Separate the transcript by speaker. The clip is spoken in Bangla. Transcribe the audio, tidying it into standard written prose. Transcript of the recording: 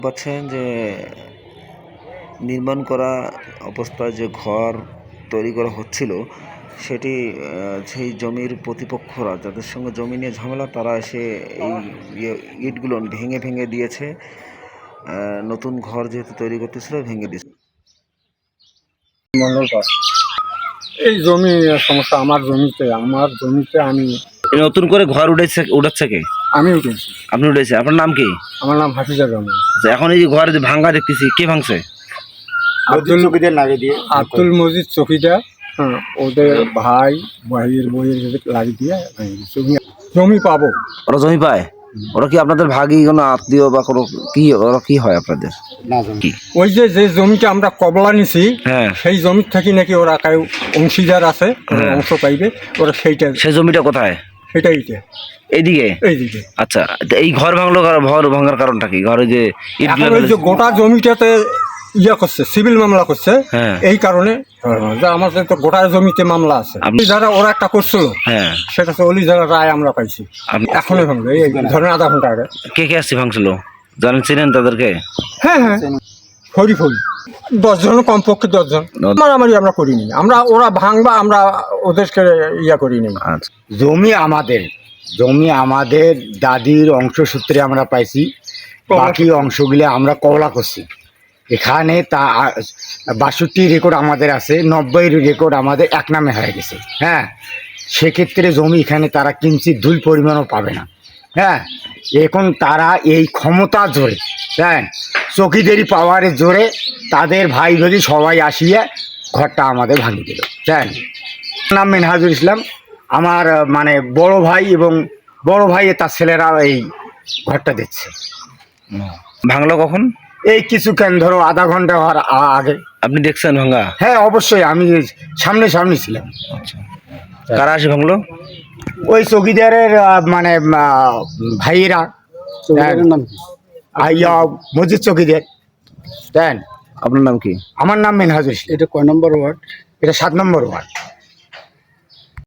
Speaker 1: পাচ্ছেন যে নির্মাণ করা অবস্থায় যে ঘর তৈরি করা হচ্ছিল সেটি সেই জমির প্রতিপক্ষরা যাদের সঙ্গে জমি নিয়ে ঝামেলা তারা এসে এই ইটগুলো ভেঙে ভেঙে দিয়েছে। নতুন ঘর যেহেতু তৈরি করতেছিল ভেঙে দিয়েছে।
Speaker 2: এই জমি সমস্যা আমার জমিতে আমি
Speaker 1: নতুন করে ঘর উঠাচ্ছে কে?
Speaker 2: আমি উঠেছি।
Speaker 1: আপনি উঠেছে? আপনার নাম কি?
Speaker 2: আমার নাম হাফিজুর রহমান।
Speaker 1: এখন এই যে ঘর যে ভাঙ্গা দেখতেছি, কে ভাঙছে?
Speaker 2: আব্দুল মজিদ চকিদার। হ্যাঁ, ওদের ভাইয়ের বইয়ের লাগিয়ে দিয়ে জমি পাবো।
Speaker 1: ওরা জমি পায়? ওরা কি আপনাদের ভাগী কোনো আত্মীয় বা কোনো কি? ওরা কি হয় আপনাদের?
Speaker 2: ওই যে জমিটা আমরা কবলা নিছি,
Speaker 1: হ্যাঁ,
Speaker 2: সেই জমির থেকে নাকি ওরা কেউ অংশীদার আছে, অংশ পাইবে। ওরা সেই জমিটা
Speaker 1: কোথায়?
Speaker 2: এইদিকে
Speaker 1: এইদিকে। আচ্ছা, এই ঘর ভাঙার কারণটা কি? ঘরে যে
Speaker 2: গোটা জমিটাতে করছে, সিভিল মামলা করছে। এই কারণে যে আমাদের তো গোটা জমিতে মামলা আছে। যারা ওরা একটা করছিল, সেটা হচ্ছে অলি যারা রায় আমরা পাইছি। এখনই ভাঙলো, এই ধরেন আধা ঘন্টা আগে।
Speaker 1: কে আসছে ভাঙছিল? চিনেন তাদেরকে?
Speaker 2: হ্যাঁ, ফরি 10 জন, কমপক্ষে 10 জন। মারামারি আমরা করিনি, ওরা ভাঙবা আমরা ওদেরকে করিনি।
Speaker 3: জমি আমাদের দাদির অংশসূত্রে আমরা পাইছি। বাকি অংশগুলো আমরা কবলা করছি। এখানে 62 রেকর্ড আমাদের আছে, 90 রেকর্ড আমাদের এক নামে হয়ে গেছে। হ্যাঁ, সেক্ষেত্রে জমি এখানে তারা কিঞ্চিত ধুল পরিমাণও পাবে না। হ্যাঁ, এখন তারা এই ক্ষমতা জোরে, হ্যাঁ, চকিদারি পাওয়ারের জোরে তাদের ভাই যদি সবাই আসিয়ে ঘরটা আমাদের ভাঙিয়ে দিল। হ্যাঁ, নাম মেনহাজুল ইসলাম। আমার মানে বড় ভাই এবং বড় ভাই তার ছেলেরা এই ঘরটা দিচ্ছে।
Speaker 1: ভাঙলো কখন?
Speaker 3: এই কিছুক্ষণ ধরো আধা ঘন্টা হওয়ার আগে।
Speaker 1: আপনি দেখছেন ভাঙা?
Speaker 3: হ্যাঁ, অবশ্যই আমি সামনে ছিলাম।
Speaker 1: কারা আসে ভাঙলো?
Speaker 3: ওই চকিদারের মানে ভাইয়েরা। মজিদ চকিদার। দেন,
Speaker 1: আপনার নাম কি?
Speaker 3: আমার নাম মেনহাজুল ইসলাম।
Speaker 2: এটা কয় নম্বর ওয়ার্ড?
Speaker 3: এটা 7 নম্বর ওয়ার্ড।